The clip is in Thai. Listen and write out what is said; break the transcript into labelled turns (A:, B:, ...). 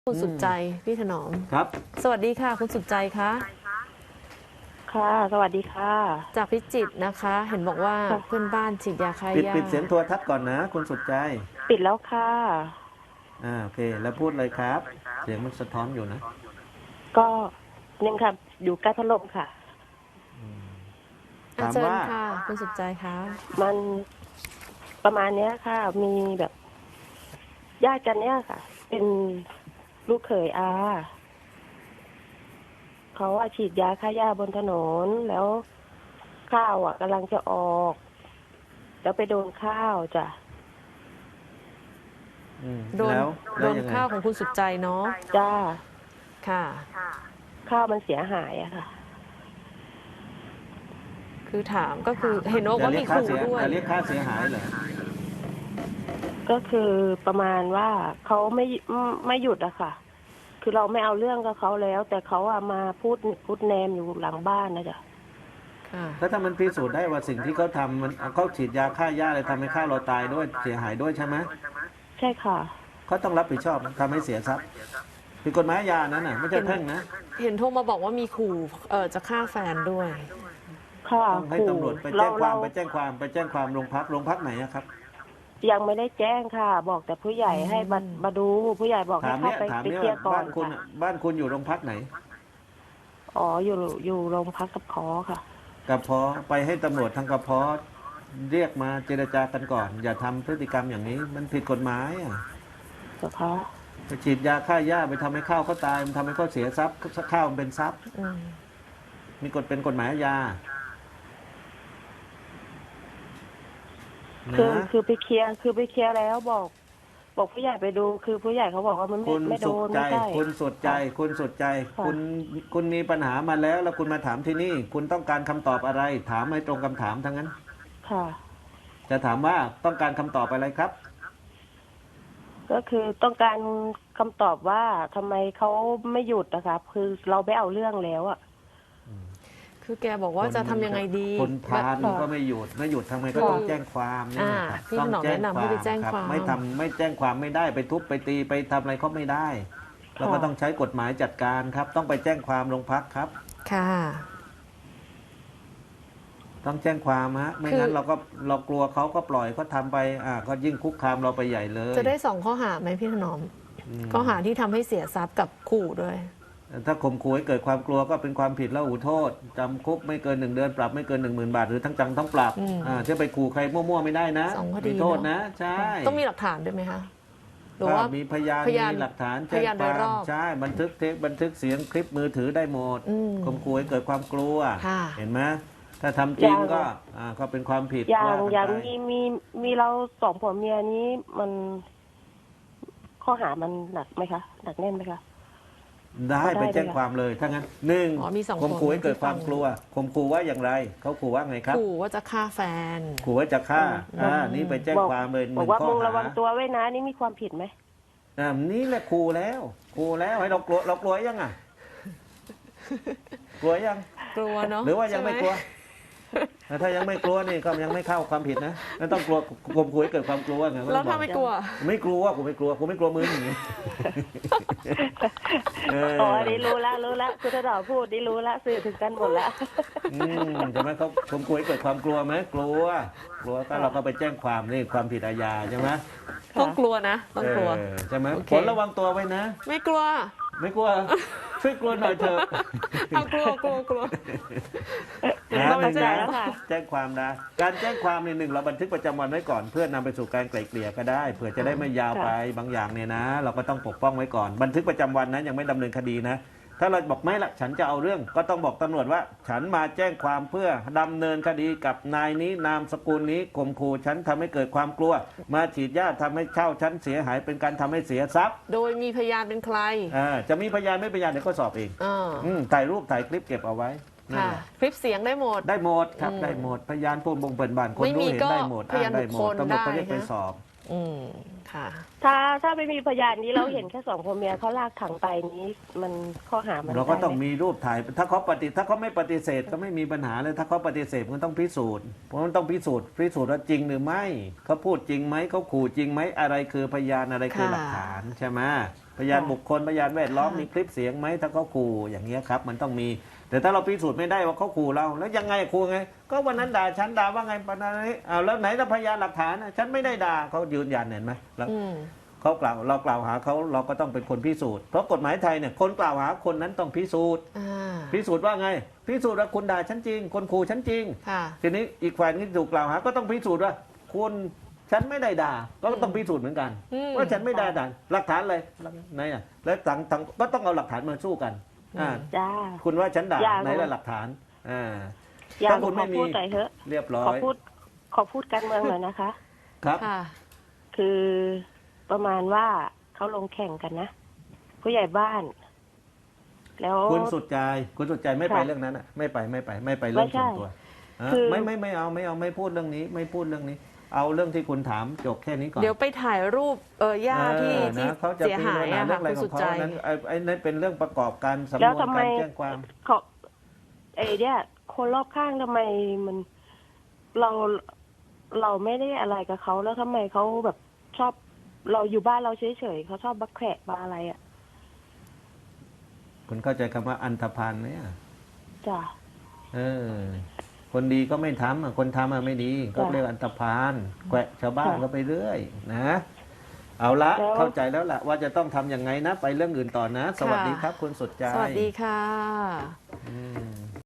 A: คุณสุดใจพี่ถนอม
B: ครับ
A: สวัสดีค่ะคุณสุดใจคะ
C: ค่ะสวัสดีค่ะ
A: จากพิจิตรนะคะ เห็นบอกว่า
C: ค่ะ
A: เพื่อนบ้านฉีดยาฆ่าหญ้า
B: ปิดเสียงโทรทัศน์ก่อนนะคุณสุดใจ
C: ปิดแล้วค่ะ
B: โอเคแล้วพูดเลยครับเสียงมันสะท้อนอยู่นะ
C: ก็ยังค่ะอยู่ใกล้พัดลมค่ะ
B: ถาม
A: เชิญ
B: ว่า
A: ค่ะคุณสุดใจคะ
C: มันประมาณเนี้ยค่ะ มีแบบญาติกันเนี้ยค่ะ เป็นลูกเขยอาเขาฉีดยาฆ่าหญ้าบนถนนแล้วข้าวกำลังจะออกแล้วไปโดนข้าวจ้ะ
A: โดน
B: แล้ว
A: โดน
B: ยังไง
A: ข้าวของคุณสุดใจเนาะ
C: จ้า
A: ค่ะ
C: ข้าวมันเสียหายอะค่ะ
A: คือถามก็คือเห็นว่ามีขู่ด้วย
B: จะเรียกค่าเสียหายเหรอ
C: ก็คือประมาณว่าเขาไม่หยุดอะค่ะ คือเราไม่เอาเรื่องกับเขาแล้ว แต่เขามาพูดแนมอยู่หลังบ้านนะจ๊ะ
B: แล้วถ้ามันพิสูจน์ได้ว่าสิ่งที่เขาทำมันเขาฉีดยาฆ่าหญ้าอะไรทำให้ข้าวเราตายด้วยเสียหายด้วยใช่ไหม
C: ใช่ค่ะ
B: เขาต้องรับผิดชอบทำให้เสียทรัพย์ผิดกฎหมายยานั้นน่ะไม่ใช่แพ่งนะ
A: เห็นโทรมาบอกว่ามีขู่จะฆ่าแฟนด้วย
C: ค่ะ
B: ต้องให้ตำรวจไปแจ้งความไปแจ้งความโรงพักไหนอะครับ
C: ยังไม่ได้แจ้งค่ะ บอกแต่ผู้ใหญ่ให้มาดูผู้ใหญ่บอกให้เข้าไปเคลียร์ก่อนค่ะ
B: บ้านคุณอยู่โรงพักไหน
C: อ๋ออยู่โรงพักกับคอค่ะ
B: กระเพาะไปให้ตำรวจทางกระเพาะเรียกมาเจรจากันก่อนอย่าทำพฤติกรรมอย่างนี้มันผิดกฎหมาย
C: กระเพาะ
B: ไปฉีดยาฆ่าหญ้าไปทำให้ข้าวเขาตายมันทำให้เขาเสียทรัพย์ข้าวมันเป็นทรัพย์มีเป็นกฎหมายอาญา
C: คือไปเคลียร์แล้วบอกผู้ใหญ่ไปดูคือผู้ใหญ่เขาบอกว่ามันไม่โดนไม่ใช่
B: คุณสุดใจคุณมีปัญหามาแล้วคุณมาถามที่นี่คุณต้องการคำตอบอะไรถามให้ตรงคำถามทั้งนั้น
C: ค่ะ
B: จะถามว่าต้องการคำตอบอะไรครับ
C: ก็คือต้องการคำตอบว่าทำไมเขาไม่หยุดนะคะคือเราไม่เอาเรื่องแล้ว
A: คือแกบอกว่าจะทำยังไงดี
B: คนพาลก็ไม่หยุดทำไมก็ต้องแจ้งความนี่
A: ต้องแนะนำให้ไปแจ้งความ
B: ไม่แจ้งความไม่ได้ไปทุบไปตีไปทำอะไรเขาไม่ได้เราก็ต้องใช้กฎหมายจัดการครับต้องไปแจ้งความโรงพักครับ
A: ค่ะ
B: ต้องแจ้งความไม่งั้นเรากลัวเขาก็ปล่อยเขาทำไปก็ยิ่งคุกคามเราไปใหญ่เลย
A: จะได้2 ข้อหาไหมพี่ถนอมข้อหาที่ทำให้เสียทรัพย์กับขู่ด้วย
B: ถ้าข่มขู่ให้เกิดความกลัวก็เป็นความผิดแล้วหูโทษจำคุกไม่เกิน1 เดือนปรับไม่เกิน10,000 บาทหรือทั้งจำทั้งปรับจะไปขู่ใครมั่วๆไม่ได้นะ
A: มี
B: โทษนะใช่
A: ต้องมีหลักฐานด้วยไหมคะหรือว่า
B: มีพยานมีหลักฐานแจ้งความใช่บันทึกเสียงคลิปมือถือได้หมดข่มขู่ให้เกิดความกลัวเห็นไหมถ้าทำจริงก็เป็นความผิด
C: อย่างมีเรา2 ผัวเมียนี้มันข้อหามันหนักไหมคะหนักแน่นไหมคะ
B: ได้ไปแจ้งความเลยถ้างั้นข่มขู่ให้เกิดความกลัวข่มขู่ว่าอย่างไรเขาขู่ว่าไงครับ
A: ขู่ว่าจะฆ่าแฟน
B: ขู่ว่าจะฆ่านี่ไปแจ้งความเลย
C: บอกว่ามึงระวังตัวไว้นะนี่มีความผิดไหม
B: นี่แหละขู่แล้วให้เรากลัวยังกลัวยัง
A: กลัวเนาะ
B: หรือว่ายังไม่กลัวถ้ายังไม่กลัวนี่ก็ยังไม่เข้าความผิดนะนั่นต้องกลัวข่มขู่ให้เกิดความกลัวไง
A: แล้วถ้าไม่กลัว
B: กูไม่กลัวมึงอย่างนี้
C: อ๋อได้รู้ละคุณถนอมพูดได้รู้ละสื่อถึงกันหมดละ
B: ใช่ไหมเขาข่มขู่ให้เกิดความกลัวไหมกลัวก็เราก็ไปแจ้งความนี่ความผิดอาญาใช่ไหม
A: ต้องกลัวนะต้องกลัว
B: ใช่ไหมผลระวังตัวไว้นะ
A: ไม่กลัว
B: ช่วยกลัวหน่อยเถอะ
A: กลัว
B: แจ้งความนะการแจ้งความใน1เราบันทึกประจำวันไว้ก่อนเพื่อนำไปสู่การไกล่เกลี่ยก็ได้เผื่อจะได้ไม่ยาวไปบางอย่างเนี่ยนะเราก็ต้องปกป้องไว้ก่อนบันทึกประจำวันนะยังไม่ดำเนินคดีนะถ้าเราบอกไม่ละฉันจะเอาเรื่องก็ต้องบอกตำรวจว่าฉันมาแจ้งความเพื่อดำเนินคดีกับนายนี้นามสกุลนี้ข่มขู่ฉันทำให้เกิดความกลัวมาฉีดยาทำให้เช่าฉันเสียหายเป็นการทำให้เสียทรัพย์
A: โดยมีพยานเป็นใคร
B: จะมีพยานไม่พยานเดี๋ยวก็สอบเองถ่ายรูปถ่ายคลิปเก็บเอาไว้
A: คลิปเสียงได้หมด
B: ครับได้หมดพยานผู้บ่งเปิดบ้านคนรู้เห็นได้หมดอ้างได้หมดตำรวจก็เรียกไปสอบ
A: ค่ะ
C: ถ้าไม่มีพยานนี้เราเห็นแค่2 คนเมียเขาลากถังไปนี้มันข้อหามัน
B: เราก็ต้อง
C: ได้ไหม
B: มีรูปถ่ายถ้าเขาไม่ปฏิเสธก็ไม่มีปัญหาเลยถ้าเขาปฏิเสธมันต้องพิสูจน์เพราะมันต้องพิสูจน์ว่าจริงหรือไม่เขาพูดจริงไหมเขาขู่จริงไหมอะไรคือพยานอะไรคือ
A: ค่ะ
B: หลักฐานใช่ไหมพยานบุคคลพยานแวดล้อม
A: ค่ะ
B: มีคลิปเสียงไหมถ้าเขาขู่อย่างเงี้ยครับมันต้องมีแต่ถ้าเราพิสูจน์ไม่ได้ว่าเขาขู่เราแล้วยังไงขู่ไงก็วันนั้นด่าฉันด่าว่าไงปนนี้อ้าวแล้วไหนล่ะพยานหลักฐานน่ะฉันไม่ได้ด่าเขายืนยันเห็นไหมแล้ว
A: อืม
B: เรากล่าวหาเขาเราก็ต้องเป็นคนพิสูจน์เพราะกฎหมายไทยเนี่ยคนกล่าวหาคนนั้นต้องพิสูจน์
A: อ่า
B: พิสูจน์ว่าไงพิสูจน์ว่าคุณด่าฉันจริงคนขู่ฉันจริง
A: ค่ะ
B: ทีนี้อีกฝ่ายที่ถูกกล่าวหาก็ต้องพิสูจน์ว่าคุณฉันไม่ได้ด่าก็ต้องพิสูจน์เหมือนกัน
A: อืม
B: ว่าฉันไม่ได้ด่าหลักฐานเลยไหนอ่ะแล้วต่างก็ต้องเอาหลักฐานมาสู้กันอ่า
C: จ้า
B: คุณว่าฉันด่า
C: อย่าง
B: ไหนละหลักฐานอ่า
C: อย่า
B: ถ้าคุณ
C: ข
B: ไม่
C: อ
B: มี
C: พูดหน่อยเถอะ
B: เรียบร้อ
C: ขอย พูดการเมืองหน่อยนะคะ
B: ครับ
A: ค่ะ
C: คือประมาณว่าเขาลงแข่งกันนะ ผู้ใหญ่บ้าน แล้ว
B: คุณสุดใจไม่ไป
C: ค่ะ
B: เรื่องนั้นอ่ะไม่ไปเรื่อง
C: ไม่ใช่
B: ส่วนตัวฮะ
C: คือ
B: ไม่เอาไม่พูดเรื่องนี้ไม่พูดเรื่องนี้ เอาเรื่องที่คุณถามจบแค่นี้ก่อน
A: เดี๋ยวไปถ่ายรูปย่าที่ที่
B: นะเขาจะ
A: เสียหายอะ
B: เรื่
A: ค่ะ
B: องอะไร
A: คุณ
B: ข
A: สุ
B: อง
A: ด
B: เขา
A: ใจ
B: นั้นไอ้นั่นเป็นเรื่องประกอบการสำน
C: แล้ว
B: วน
C: ทำไม
B: การแจ้งความ
C: เขาเนี่ยคนรอบข้างทำไมมันเราไม่ได้อะไรกับเขาแล้วทำไมเขาแบบชอบเราอยู่บ้านเราเฉยๆเขาชอบบักแขะบาอะไรอ่ะ
B: คุณเข้าใจคำว่าอันธพาลไหมอะ
C: จ้ะ
B: เออ คนดีก็ไม่ทำอะคนทำอะไม่ดี ก็
C: จ้ะ
B: เรียกอันธพาลแกวะชาวบ้าน
C: ค่ะ
B: ก็ไปเรื่อยนะ เอาละ
C: แล้ว
B: เข้าใจแล้วล่ะว่าจะต้องทำยังไงนะ ไปเรื่องอื่นต่อนะ สวัสดีครับ คุณสุดใจ
A: สวัสดีค่ะ
B: อืม